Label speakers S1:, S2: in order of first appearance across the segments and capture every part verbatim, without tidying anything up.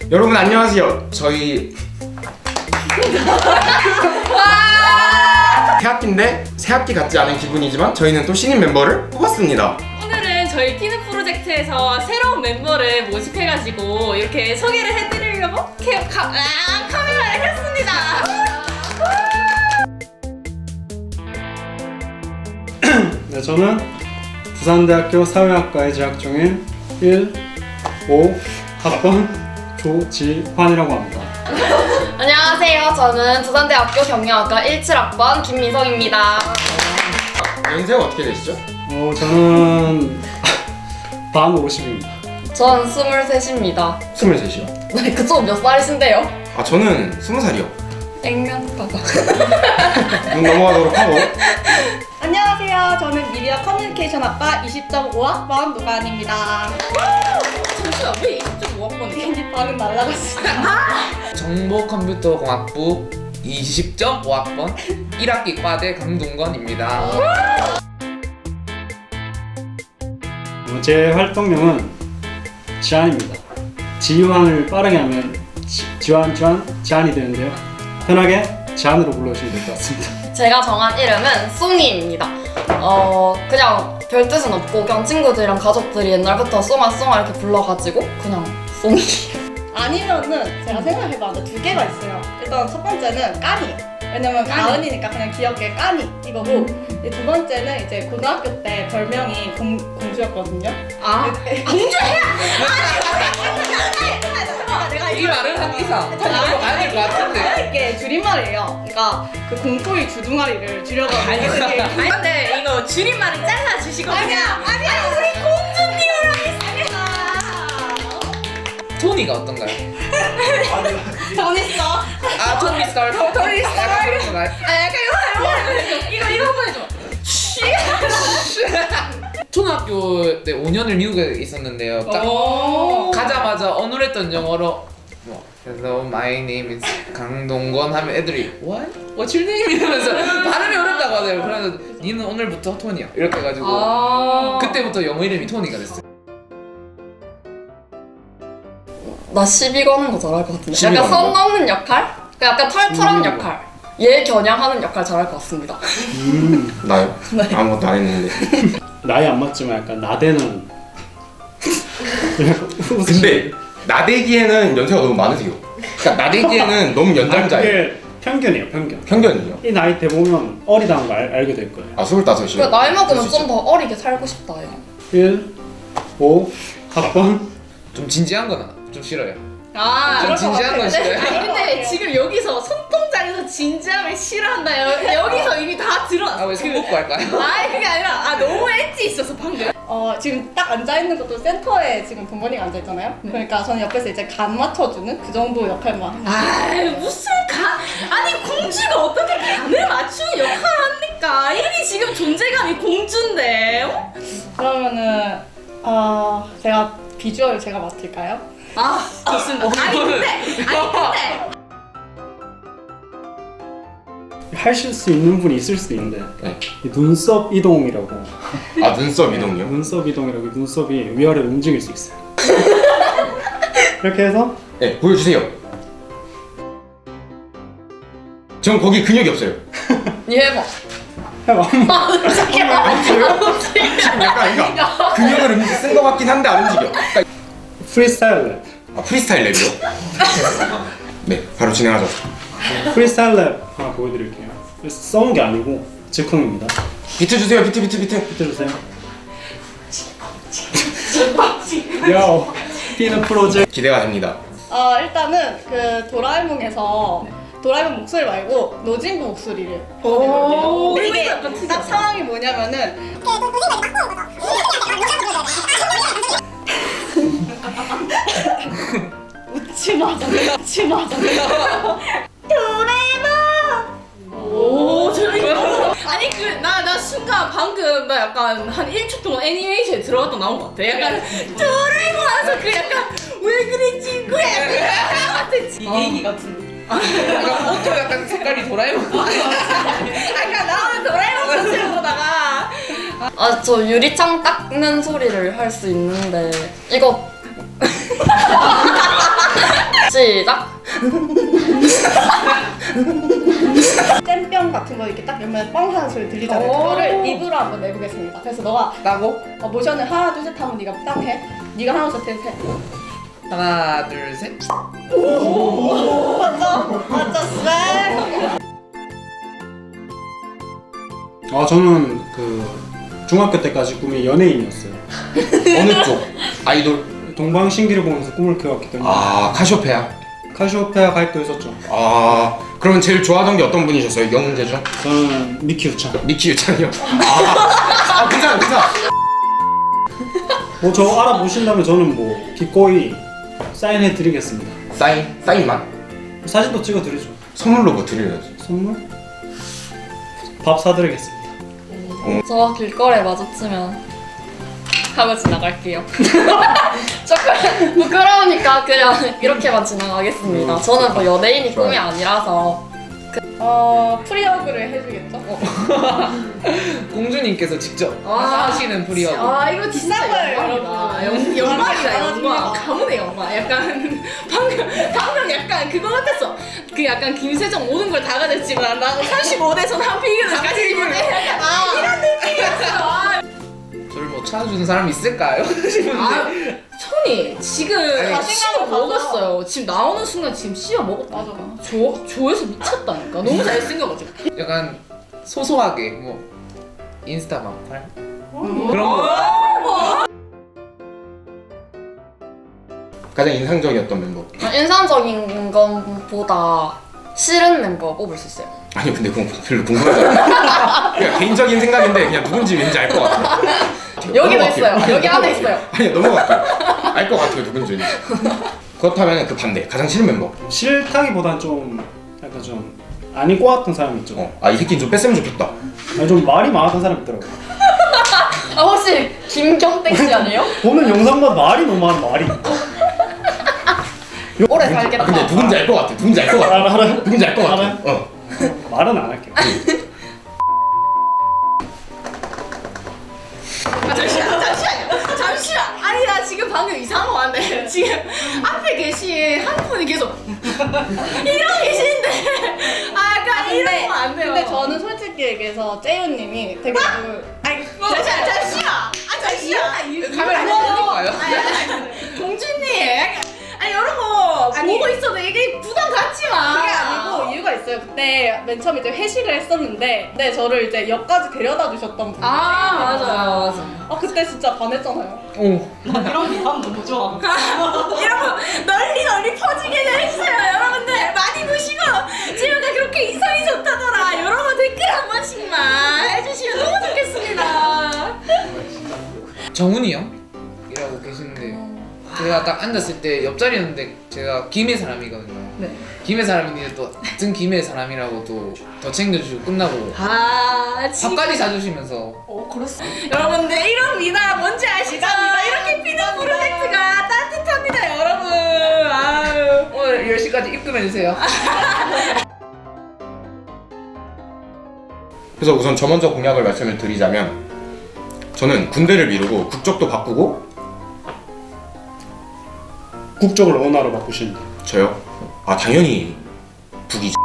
S1: 여러분 안녕하세요. 저희 새학기인데 새학기 같지 않은 기분이지만 저희는 또 신인 멤버를 뽑았습니다.
S2: 오늘은 저희 피는 프로젝트에서 새로운 멤버를 모집해가지고 이렇게 소개를 해드리려고 캐, 카, 아, 카메라를 켰습니다.
S3: 네, 저는 부산대학교 사회학과에 재학 중인 일, 오 학번 조지환이라고 합니다.
S4: 안녕하세요. 저는 부산대학교 경영학과 십칠 학번 김미성입니다.
S1: 연세가 어떻게 되시죠?
S3: 어, 저는 반 오십입니다.
S4: 전 스물셋입니다.
S1: 스물셋이요.
S4: 네, 그쪽 몇 살이신데요?
S1: 아 저는 스무 살이요.
S4: 액면가가.
S1: 눈 넘어가도록 하고.
S5: 안녕하세요. 저는 미디어 커뮤니케이션학과 이십 점 오 학번 노가은입니다.
S2: 잠시만, 왜 이십 점 오 학번이에요?
S5: 방금 날라갔어요.
S6: 정보컴퓨터공학부 이십 점 오 학번 일 학기 과대 강동건입니다.
S3: 어, 제 활동명은 지안입니다. 지환을 빠르게 하면 지, 지환, 지환, 지안이 되는데요. 편하게 지안으로 불러주시면 될 것 같습니다.
S4: 제가 정한 이름은 송이입니다. 어, 그냥 별 뜻은 없고 그냥 친구들이랑 가족들이 옛날부터 송아 송아 이렇게 불러가지고 그냥 송이.
S5: 아니면은 제가 생각해봤는데 두 개가 있어요. 일단 첫 번째는 까니. 왜냐면 가은이니까 그냥 귀엽게 까니 이거고, 이제 두 번째는 이제 고등학교 때 별명이 공, 공주였거든요.
S2: 아,
S5: 내가
S6: 이 말은 한 이상 가야 될 것 같은데.
S5: 이게 줄임말이에요. 그러니까 그 공포의 주둥아리를 줄여가지고
S2: 알겠어요. 아니, 근데 이거 줄임말을 잘라주시거든요.
S5: 아니야, 아니야, 우리 공주님이랑
S6: 토니가 어떤가요?
S5: 전 있어.
S6: 아 토니 스타일. 토니 스타일. 그런 건가요?
S2: 아, 약간 이거, 이거, 이거, 이거 한번 해줘.
S6: 초등학교 때 오 년을 미국에 있었는데요. 딱
S2: 오.
S6: 가자마자 어눌했던 영어로 뭐 Hello, my name is 강동건 하면 애들이 What? What's your name? 이러면서 발음이 어렵다고 하더라고요. 그래서 니는 오늘부터 토니야 이렇게 해가지고
S2: 아.
S6: 그때부터 영어 이름이 토니가 됐어요.
S4: 나 시비 거는 거 잘할 것 같은데.
S1: 시비
S4: 약간
S1: 거는
S4: 선
S1: 거?
S4: 넘는 역할? 약간 털털한
S3: 음.
S4: 역할. 얘 겨냥하는 역할 잘할 것 같습니다.
S3: 음,
S1: 나요?
S4: 네.
S1: 아무것도 안 했는데.
S3: 나이 안 맞지만 약간 나대는.
S1: 근데 나대기에는 연세가 너무 많으세요. 그러니까 나대기에는 너무
S3: 아,
S1: 연장자예요.
S3: 그게 편견이에요, 편견.
S1: 편견이요.
S3: 이 나이 대 보면 어리다는 걸 알, 알게 될 거예요.
S1: 아 스물다섯이요.
S4: 그 나이 먹으면 좀 더 어리게 살고 싶다. 요
S3: 일, 오 학번
S6: 좀 진지한 거나 좀 싫어요.
S2: 아,
S6: 좀 진지한 건 싫어요.
S2: 아니 근데 지금 여기서 손동작에서 진지함을 싫어한다. 여, 여기서 이미 다 들어왔어.
S6: 아왜 손 뽑고 할까요?
S2: 아, 그게 아니라 아 너무 엣지 있어서 방금.
S5: 어, 지금 딱 앉아있는 것도 센터에 지금 동건이가 앉아있잖아요. 그러니까 저는 옆에서 이제 간 맞춰주는 그 정도 역할만.
S2: 아, 무슨 간? 아니 공주가 어떻게 간을 맞추는 역할을 합니까? 이미 지금 존재감이 공주인데. 어?
S5: 그러면은 어, 제가 비주얼 제가 맡을까요?
S2: 아, 좋습니다. 아니 근데, 아니 근데.
S3: 하실 수 있는 분이 있을 수 있는데
S1: 네.
S3: 이 눈썹 이동이라고.
S1: 아 눈썹 이동이요?
S3: 눈썹 이동이라고. 이 눈썹이 위아래로 움직일 수 있어요. 이렇게 해서
S1: 네 보여주세요. 전 거기 근육이 없어요.
S4: 얘 해봐.
S3: 해봐.
S1: 지금 약간 그러니까 근육을 움직 쓴 것 같긴 한데 안 움직여. 그러니까
S3: 프리스타일 랩.
S1: 아 프리스타일 랩이요? 네 바로 진행하죠.
S3: 프리스타일 랩 하나 보여드릴게요. 써온 게 아니고 즉흥입니다.
S1: 비트 주세요. 비트 비트 비트.
S3: 비춰주세요. 요 피는 프로젝트.
S1: 기대가 됩니다.
S5: 어, 일단은 그 도라에몽에서 도라에몽 목소리 말고 노진구 목소리를
S2: 오,
S5: 근데
S2: 이거
S5: 이게
S2: 약간
S5: 딱
S2: 특이하다.
S5: 상황이 뭐냐면은 웃지 마, 웃지 마.
S2: 오, 재밌다. 아니 그 나 나 순간 방금 나 약간 한 일 초 동안 애니메이션에 들어갔다 나온 것 같아. 약간 도라에몽 하면서 그 약간 왜 그래 친구야 같은 얘기 같은.
S6: 약간 옷도 약간 색깔이 도라에몽.
S2: 아까 나오는 도라에몽 컨셉 보다가
S4: 아, 저 유리창 닦는 소리를 할 수 있는데 이거 시작.
S5: 잼병 같은 거 이렇게 딱 열면 뻥 하는 소리 들리잖아요.
S2: 오.
S5: 그거를 입으로 한번 내보겠습니다. 그래서 너가
S6: 나고
S5: 어, 모션을 하나 둘 셋 하면 네가 딱 해. 네가 하나 둘 셋 해.
S6: 하나 둘 셋.
S5: 맞아 맞아 쎄.
S3: 아 저는 그 중학교 때까지 꿈이 연예인이었어요.
S1: 어느 쪽? 아이돌?
S3: 동방신기를 보면서 꿈을 키웠기 때문에
S1: 아 카시오페아.
S3: 카시오페아 가입도 했었죠.
S1: 아 그러면 제일 좋아하던 게 어떤 분이셨어요? 영웅제 중?
S3: 저는 미키 우창.
S1: 미키 유창이요. 아, 아 괜찮아 괜찮아.
S3: 뭐 저 알아보신다면 저는 뭐 기꺼이 사인해 드리겠습니다.
S1: 사인 사인만.
S3: 사진도 찍어 드리죠.
S1: 선물로 뭐 드려야지.
S3: 선물? 밥 사드리겠습니다.
S4: 저 길거리에 마주치면 하고 지나갈게요. 조금 부끄러우니까 그냥 이렇게만 지나가겠습니다. 저는 뭐 연예인이 꿈이 아니라서.
S5: 어 프리허그를 해주겠죠?
S6: 공주님께서 직접
S2: 아,
S6: 하시는 프리허그.
S2: 아 이거 진짜
S5: 비싼 거예요,
S2: 영광이다.
S5: 여러분.
S2: 영- 영광이다
S5: 아,
S2: 영광.
S5: 진짜.
S2: 가문의 영광. 약간 방금 방금 약간 그거 같았어. 그 약간 김세정 모든 걸 다 가졌지만 나 삼십오 대선 한 피규어를 가지지 못해. 약간
S5: 아.
S2: 이런 느낌이었어. 아,
S6: 저를 뭐 찾아주는 사람 있을까요? 싶은데.
S2: 아, 손이 지금 다
S5: 자신감을
S2: 씹어
S5: 가져.
S2: 먹었어요. 지금 나오는 순간 지금 씹어 먹었다.
S5: 맞아.
S2: 조 조회수 미쳤다니까. 너무 잘생겨가지고.
S6: 약간 소소하게 뭐 인스타 막팔 그런 거.
S1: 가장 인상적이었던 멤버.
S4: 인상적인 것보다 싫은 멤버 뽑을 수 있어요.
S1: 아니 근데 그건 별로 궁금하지 않아. 그냥 개인적인 생각인데 그냥 누군지 왠지 알 것 같아.
S4: 여기도
S1: 넘어갈게요.
S4: 있어요.
S1: 아니,
S4: 여기 안에
S1: 넘어갈게요.
S4: 있어요.
S1: 아니 넘어갈게요. 알 것 같아요 누군지. 그렇다면 그 반대 가장 싫은 멤버.
S3: 싫다기보단 좀 약간 좀 아닌 것 같은 사람이 있죠.
S1: 어, 아 이 새끼 좀 뺐으면 좋겠다.
S3: 아니, 좀 말이 많았던 사람이 있더라고요.
S4: 아 혹시 김경택 씨 아니에요?
S3: 보는 영상마다 말이 너무 많아 말이.
S4: 오래 살겠다.
S1: 아 근데 누군지 알 것 같아. 누군지 알 것 같아.
S3: 알아 알아.
S1: 누군지 알 것 같아.
S3: 알아요?
S1: 어.
S3: 말은 안 할게요.
S2: 아, 잠시만, 잠시만요. 잠시만. 아니, 나 지금 방금 이상한 거 같네. 지금 앞에 계신 한 분이 계속 이러고 계시는데. 아, 약간 이러면 안 돼요.
S5: 근데 저는 솔직히 얘기해서 째윤님이 되게 그
S2: 아니, 잠시만, 잠시만. 아, 잠시만.
S6: 카메라
S2: 아니,
S6: 켜볼까요?
S2: 아니, 아니, 공주님. 약간, 아니, 이런 거
S5: 아니.
S2: 보고 있어도 이게 부담 갖지 마.
S5: 그게 아니고 이유가 있어요. 그때 맨 처음 이제 회식을 했었는데, 네 저를 이제 역까지 데려다 주셨던 분.
S2: 아, 맞아요. 맞아요.
S5: 아 그때 진짜 반했잖아요.
S6: 오.
S5: 이런 미담 너무 좋아.
S2: 여러분 널리 널리 퍼지게 됐어요. 여러분들 많이 보시고 지우가 그렇게 이성이 좋다더라. 여러분 댓글 한 번씩만 해주시면 너무 좋겠습니다.
S6: 정훈이 형이라고 계시는데 제가 딱 앉았을 때 옆자리였는데 제가 김해 사람이거든요.
S2: 네.
S6: 김해 사람인데 또 같은 김해 사람이라고 또 더 챙겨주시고 끝나고
S2: 아 지금
S6: 밥까지 사주시면서
S2: 어 그렇습. 여러분들 이런 미나 뭔지 아시죠? 이렇게 피는 프로젝트가 따뜻합니다, 여러분. 아유.
S6: 오늘 열 시까지 입금해주세요.
S1: 그래서 우선 저 먼저 공약을 말씀을 드리자면 저는 군대를 미루고 국적도 바꾸고
S3: 국적을 원화로 바꾸신다.
S1: 저요? 아 당연히 북이죠.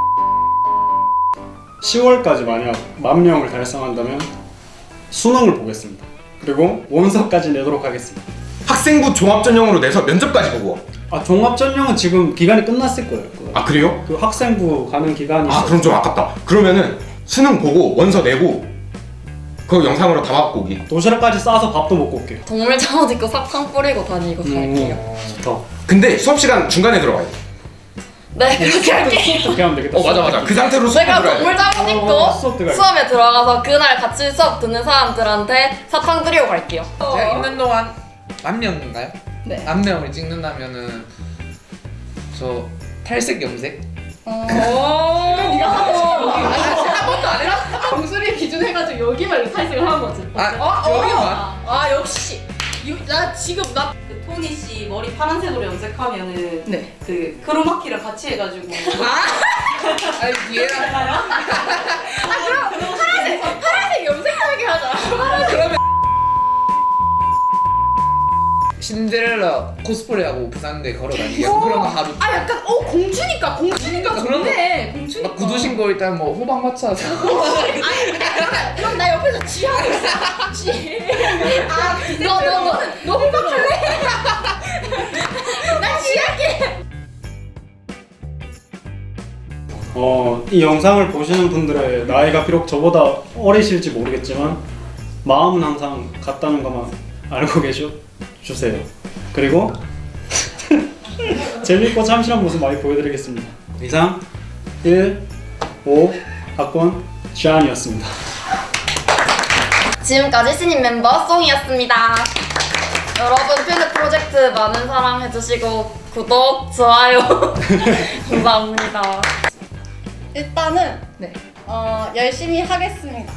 S3: 시월까지 만약 만 명을 달성한다면 수능을 보겠습니다. 그리고 원서까지 내도록 하겠습니다.
S1: 학생부 종합전형으로 내서 면접까지 보고.
S3: 아 종합전형은 지금 기간이 끝났을 거예요. 그,
S1: 아 그래요?
S3: 그 학생부 가는 기간이
S1: 아
S3: 있어요.
S1: 그럼 좀 아깝다. 그러면은 수능 보고 원서 내고 그거 영상으로 담아갖고 오기.
S3: 도시락까지 싸서 밥도 먹고 올게요.
S4: 동물 잠옷 입고 사탕 뿌리고 다니고 갈게요.
S3: 음, 좋다.
S1: 근데 수업 시간 중간에 들어가야 돼.
S4: 네 그렇게 할게요.
S3: 어떻게 하면 되겠다.
S1: 어 맞아 맞아. 그 상태로 수업
S4: 제가
S1: 들어야 돼.
S4: 동물 잠옷 입고
S3: 어, 수업 들어가요.
S4: 수업에 들어가서 그날 같이 수업 듣는 사람들한테 사탕 드리고 갈게요.
S6: 제가 있는 동안 만 명인가요?
S5: 네.
S6: 만 명을 찍는다면은 저 탈색 염색?
S5: 어.
S2: 오. 네가
S6: 한 번도 안 해봤어.
S2: 정수리 기준 해가지고 여기만 탈색을 하는 거지.
S6: 아
S2: 어, 어.
S6: 여기만?
S2: 아 역시. 유, 나 지금 나.
S7: 그 토니 씨 머리 파란색으로 염색하면은
S2: 네.
S7: 그 크로마키랑 같이 해가지고
S2: 아.
S6: 아니 얘랑
S2: 아 그럼 파란색 파란색 염색하게 하자.
S6: 그러면 신데렐라 코스프레하고 부산대 걸어다니기 약간 그런 거 하루.
S2: 아 약간 어 공주니까 공주니까
S6: 그런
S2: 좋네. 공주니까.
S6: 막 구두 신고 일단 뭐 호박 마차 사고.
S2: 아니 그러면 그럼 나 옆에서 지하고 있어. 지. 아너너너너 호박할래? 난 지할게.
S3: 어, 이 영상을 보시는 분들의 나이가 비록 저보다 어리실지 모르겠지만 마음은 항상 같다는 것만 알고 계셔 주세요. 그리고 재밌고 참신한 모습 많이 보여드리겠습니다. 이상 일, 오 학번 샤안이었습니다.
S4: 지금까지 신인 멤버 송이었습니다. 여러분 퓨즈 프로젝트 많은 사랑 해주시고 구독, 좋아요 감사합니다.
S5: 일단은
S2: 네.
S5: 어, 열심히 하겠습니다.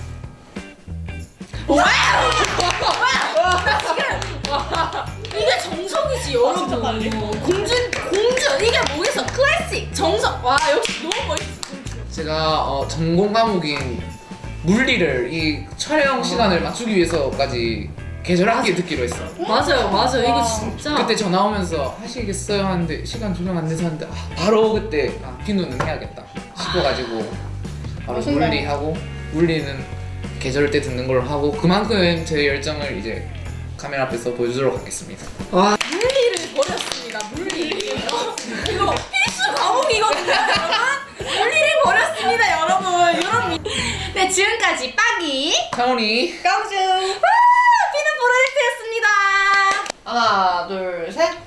S2: 이게 정석이지 여러분. 공주 공주 이게 뭐겠어? 클래식 정석. 와 역시 너무 멋있어.
S6: 제가 어, 전공 과목인 물리를 이 촬영 시간을 맞추기 위해서까지 계절학기에 듣기로 했어.
S2: 맞아요 맞아요 이거
S5: 와.
S2: 진짜.
S6: 그때 전화 오면서 하시겠어요 하는데 시간 조정 안 돼서 하는데 아, 바로 그때 아, 비누는 해야겠다 싶어가지고 바로
S5: 멋있네.
S6: 물리하고 물리는 계절 때 듣는 걸로 하고 그만큼 제 열정을 이제 카메라 앞에서 보여주도록 하겠습니다.
S2: 와 물리를 버렸습니다. 물리. 이거 필수 과목이거든요, 여러분. 물리를 버렸습니다, 여러분. 여러분. 네 지금까지 빠기
S6: 차원이
S5: 깡주!
S2: 피는 프로젝트였습니다.
S7: 하나 둘 셋.